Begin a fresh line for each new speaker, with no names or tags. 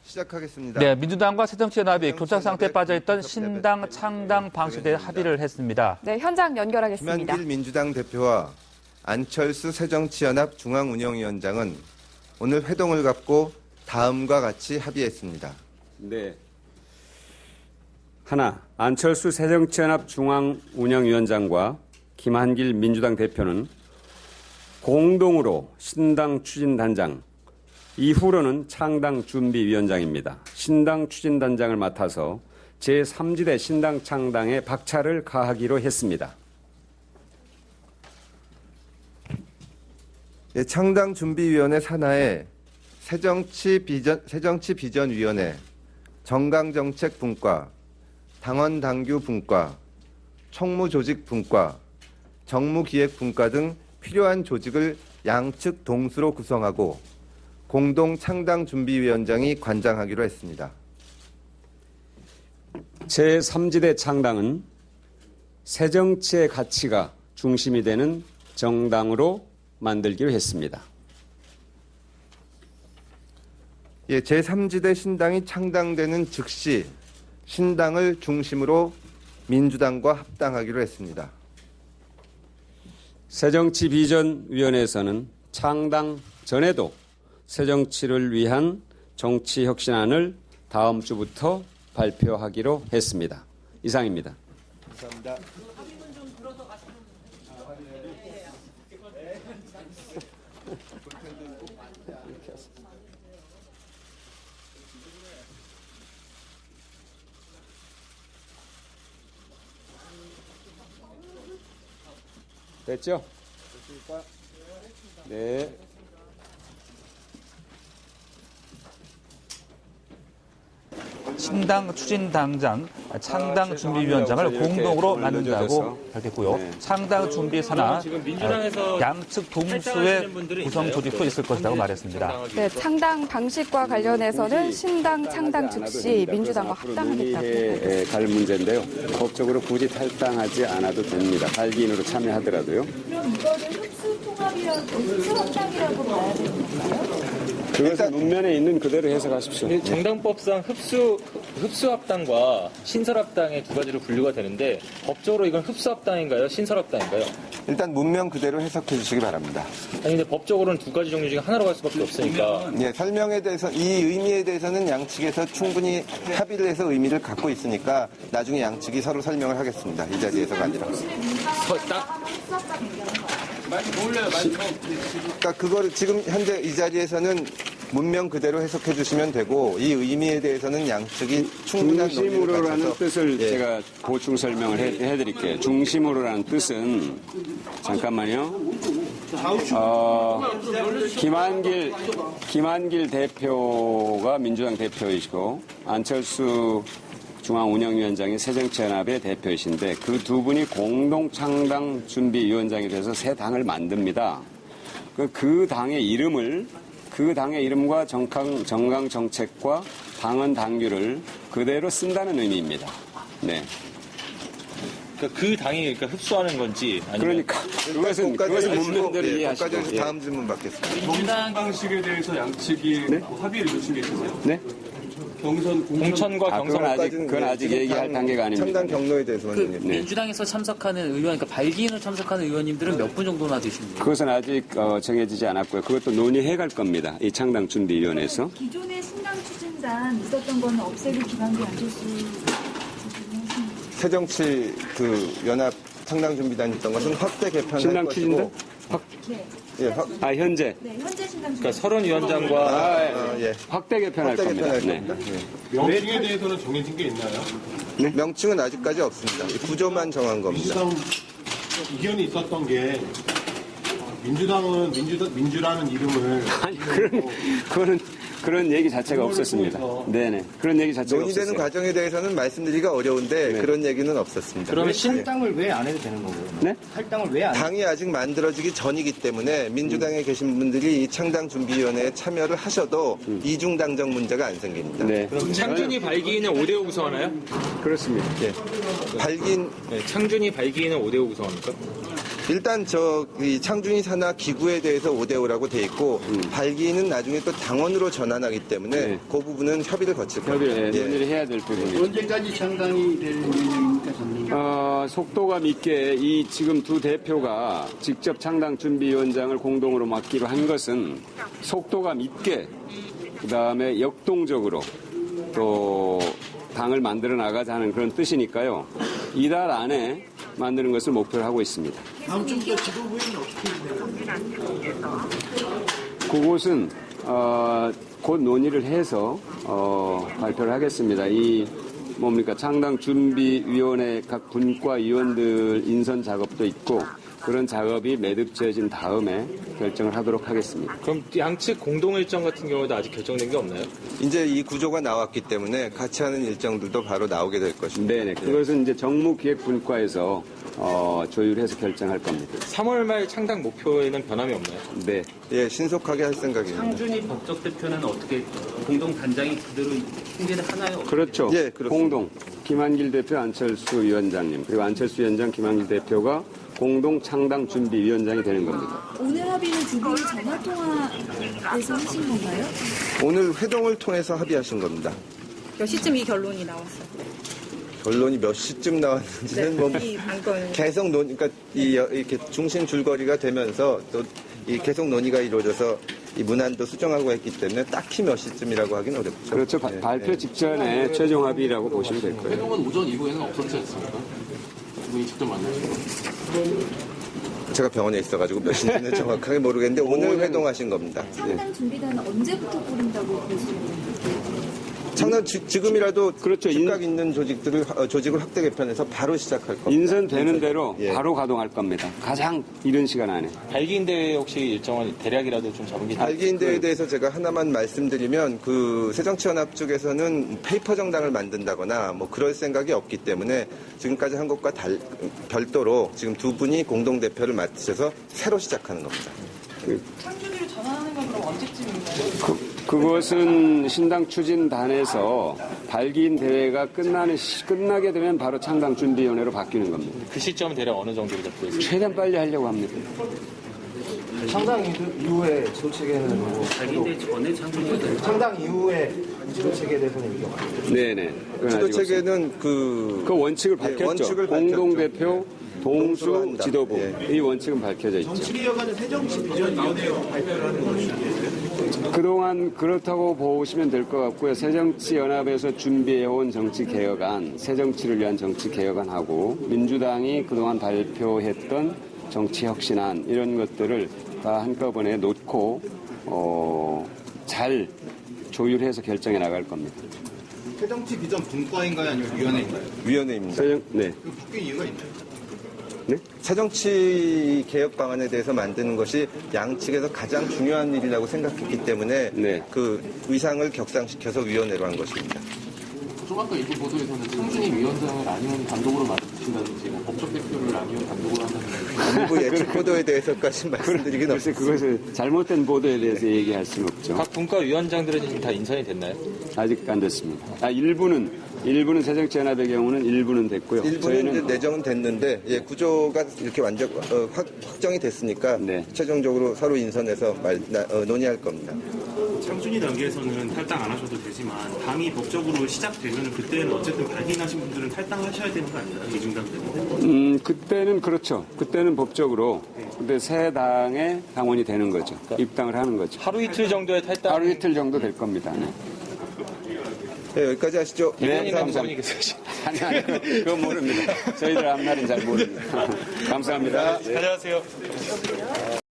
시작하겠습니다.
네, 민주당과 새정치연합이 교착 상태에 빠져있던 신당 창당 방식에 대해 합의를 했습니다.
네, 현장 연결하겠습니다.
김한길 민주당 대표와 안철수 새정치연합 중앙운영위원장은 오늘 회동을 갖고 다음과 같이 합의했습니다.
네. 하나, 안철수 새정치연합 중앙운영위원장과 김한길 민주당 대표는 공동으로 신당 추진단장, 이후로는 창당 준비위원장입니다. 신당 추진단장을 맡아서 제3지대 신당 창당에 박차를 가하기로 했습니다.
창당 준비위원회 산하에 새정치비전위원회, 정강정책분과, 당원당규분과, 총무조직분과, 정무기획분과 등 필요한 조직을 양측 동수로 구성하고 공동 창당준비위원장이 관장하기로 했습니다.
제3지대 창당은 새정치의 가치가 중심이 되는 정당으로 만들기로 했습니다.
예, 제3지대 신당이 창당되는 즉시 신당을 중심으로 민주당과 합당하기로 했습니다.
새정치비전위원회에서는 창당 전에도 새정치를 위한 정치혁신안을 다음 주부터 발표하기로 했습니다. 이상입니다.
감사합니다.
됐죠? 네.
신당 추진당장, 창당 준비위원장을 공동으로 맡는다고 밝혔고요.
네.
창당 준비 산하
지금 민주당에서
양측 동수의 구성 조직도 있을 것이라고 말했습니다.
네, 창당 방식과 관련해서는 신당 창당 즉시 민주당과 합당하겠다고
논의에 갈 문제인데요. 법적으로 굳이 탈당하지 않아도 됩니다. 발기인으로 참여하더라도요.
그럼 이거를 흡수합당이라고 봐야 되는 건가요?
그것은 문면에 있는 그대로 해석하십시오.
정당법상 흡수합당과 신설합당의 두 가지로 분류가 되는데 법적으로 이건 흡수합당인가요? 신설합당인가요?
일단 문명 그대로 해석해 주시기 바랍니다.
아니 근데 법적으로는 두 가지 종류 중에 하나로 갈 수밖에 없으니까.
예, 설명에 대해서 이 의미에 대해서는 양측에서 충분히 합의를 해서 의미를 갖고 있으니까 나중에 양측이 서로 설명을 하겠습니다. 이 자리에서가 아니라. 그러니까 그거를 지금 현재 이 자리에서는 문명 그대로 해석해 주시면 되고 이 의미에 대해서는 양측이 충분한 논의를
중심으로라는
갖춰서
뜻을
예.
제가 보충 설명을 해드릴게요. 중심으로라는 뜻은 잠깐만요. 김한길 대표가 민주당 대표이시고 안철수 중앙운영위원장이 새정치연합의 대표이신데 그 두 분이 공동 창당 준비위원장이 돼서 새 당을 만듭니다. 그 당의 이름과 정강 정책과 당헌 당규를 그대로 쓴다는 의미입니다. 네.
그러니까 그 당이 흡수하는 건지 아니면
그것은 문면대로 이해하시고.
거기까지 다음 질문 받겠습니다.
경선 방식에 대해서 양측이 합의를 이루신 게 있으세요?
네?
공천과 경선
그건 아직 얘기할 단계가 아닙니다.
창당 경로에 대해서는
민주당에서 참석하는 의원, 그러니까 발기인으로 참석하는 의원님들은 몇 분 정도나 되십니까?
그것은 아직 정해지지 않았고요. 그것도 논의해 갈 겁니다. 이 창당 준비위원회에서.
기존의 신당 추진단 있었던 거는 없애기 김한길 안철수
새정치 연합 창당 준비단 있던 것은 확대 개편할
신당
것이고
현재.
네, 현재 신당
그러니까 서른 위원장과
확대 개편할
확대
겁니다.
개편할
네.
겁니다.
명칭에 대해서는 정해진 게 있나요?
명칭은 아직까지 없습니다. 이 구조만 정한 겁니다.
민주당 이견이 있었던 게 민주당은 민주라는 이름을
아니 그런 얘기 자체가 없었습니다. 네네. 그런 얘기 자체가
논의되는
없었어요.
과정에 대해서는 말씀드리기가 어려운데
네.
그런 얘기는 없었습니다.
그러면
할당을 왜 안 해도 되는 거고요?
네?
할당을 왜 안 해도
당이 아직 만들어지기 전이기 때문에 민주당에 계신 분들이 이 창당준비위원회에 참여를 하셔도 이중당정 문제가 안 생깁니다.
네.
창준이 발기인은 5대5 구성하나요?
그렇습니다.
발기인
네, 창준이 발기인은 5대5 구성합니까?
일단 이 창준이 산하 기구에 대해서 5대5라고 돼 있고 발기는 나중에 또 당원으로 전환하기 때문에
네.
그 부분은 협의를 거칠 겁니다.
협의를
예.
논의를 해야 될 부분이죠.
언제까지 창당이 될 예정입니까?
속도감 있게 이 지금 두 대표가 직접 창당 준비위원장을 공동으로 맡기로 한 것은 속도감 있게 그다음에 역동적으로 또 당을 만들어 나가자는 그런 뜻이니까요. 이달 안에 만드는 것을 목표로 하고 있습니다.
다음 주부터 지도부에는 어떻게 됩니까?
그곳은 곧 논의를 해서 발표를 하겠습니다. 이 창당 준비위원회 각 분과 위원들 인선 작업도 있고 그런 작업이 매듭지어진 다음에 결정을 하도록 하겠습니다.
그럼 양측 공동 일정 같은 경우에도 아직 결정된 게 없나요?
이제 이 구조가 나왔기 때문에 같이 하는 일정들도 바로 나오게 될 것입니다.
네네. 그것은 이제 정무기획분과에서 조율해서 결정할 겁니다.
3월 말 창당 목표에는 변함이 없나요?
네.
예, 신속하게 할 생각입니다.
창준이 법적 대표는 어떻게 공동 단장이 그대로 승계를 하나요?
그렇죠.
예, 그렇습니다.
공동. 김한길 대표, 안철수 위원장님, 그리고 안철수 위원장, 김한길 대표가 공동 창당 준비위원장이 되는 겁니다.
오늘 합의는 두 분이 전화통화에서 하신 건가요?
오늘 회동을 통해서 합의하신 겁니다.
몇 시쯤 이 결론이 나왔어요?
결론이 몇 시쯤 나왔는지는 뭐
이 안건.
계속 그러니까 이렇게 중심 줄거리가 되면서 또 이 계속 논의가 이루어져서 이 문안도 수정하고 했기 때문에 딱히 몇 시쯤이라고 하긴 어렵죠.
그렇죠.
예,
발표
예.
직전에 최종 합의라고 보시면 될 거예요.
회동은 오전 이후에는 없었지 않습니까? 두 분이 직접 만나신 거.
제가 병원에 있어가지고 몇 시인지는 정확하게 모르겠는데 오늘 회동하신 겁니다. 예.
창당 준비단은 언제부터 꾸린다고 볼 수 있나요?
창당 지금이라도
그렇죠.
즉각 있는 조직을 확대 개편해서 바로 시작할 겁니다.
인선되는 대로
예.
바로 가동할 겁니다. 가장 이른 시간 안에.
발기인 대회 혹시 일정은 대략이라도 좀 잡은 게
발기인 대회에 대해서 제가 하나만 말씀드리면 그 새정치연합 쪽에서는 페이퍼 정당을 만든다거나 뭐 그럴 생각이 없기 때문에 지금까지 한 것과 별도로 지금 두 분이 공동 대표를 맡으셔서 새로 시작하는 겁니다.
창준이로 전환하는 건 그럼 언제쯤인가요?
그것은 신당 추진단에서 발기인 대회가 끝나게 되면 바로 창당 준비위원회로 바뀌는 겁니다.
그 시점은 대략 어느 정도로 잡고 있습니까?
최대한 빨리 하려고 합니다.
창당 이후에 지도 체계는 뭐
발기인대 전에 창준이가 될
창당 이후에 지도 체계에 대해서는 얘기가 많아요.
네네. 그건
지도
아직
체계는
그 원칙을
예,
밝혔죠.
원칙을
공동대표, 동수,
동수로 한다.
지도부.
예.
이 원칙은 밝혀져 있죠.
정치개혁안은 새정치비전위원회로 발표를 하는 것이죠.
그동안 그렇다고 보시면 될 것 같고요. 새정치연합에서 준비해온 정치개혁안, 새정치를 위한 정치개혁안하고 민주당이 그동안 발표했던 정치혁신안 이런 것들을 다 한꺼번에 놓고 잘 조율해서 결정해 나갈 겁니다.
새정치비전 분과인가요? 아니면 위원회인가요?
위원회입니다.
네.
그 바뀐 이유가 있나요?
새정치 개혁 방안에 대해서 만드는 것이 양측에서 가장 중요한 일이라고 생각했기 때문에
네.
그 의상을 격상시켜서 위원회로 한 것입니다.
좀 아까 일부 보도에서는 창준이 위원장을 안희원 단독으로 맡으신다든지 뭐 법적 대표를 안희원 단독으로 한다든지
일부 예측 보도에 대해서까지 말씀드리긴
글쎄
없습니다.
그것을 잘못된 보도에 대해서 얘기할 수는 없죠.
각 분과 위원장들은 지금 다 인선이 됐나요?
아직 안 됐습니다. 일부는 새정치연합의 경우는 일부는 됐고요.
일부는 이제 내정은 됐는데 구조가 이렇게 완전 확정이 됐으니까
네.
최종적으로 서로 인선해서 논의할 겁니다.
창준이 단계에서는 탈당 안 하셔도 되지만 당이 법적으로 시작되면 그때는 어쨌든 발기인하신 분들은 탈당하셔야 되는 거 아닌가요? 이중당 때문에?
그때는 그렇죠. 그때는 법적으로 근데 새 당의 당원이 되는 거죠. 입당을 하는 거죠.
하루 이틀 정도의 탈당.
하루 이틀 정도 될 겁니다. 네.
네, 여기까지 하시죠.
대변인
감사합니다.
감사원이 계세요.
아니, 그건 모릅니다. 저희들 앞날은 잘 모릅니다. 감사합니다.
안녕하세요.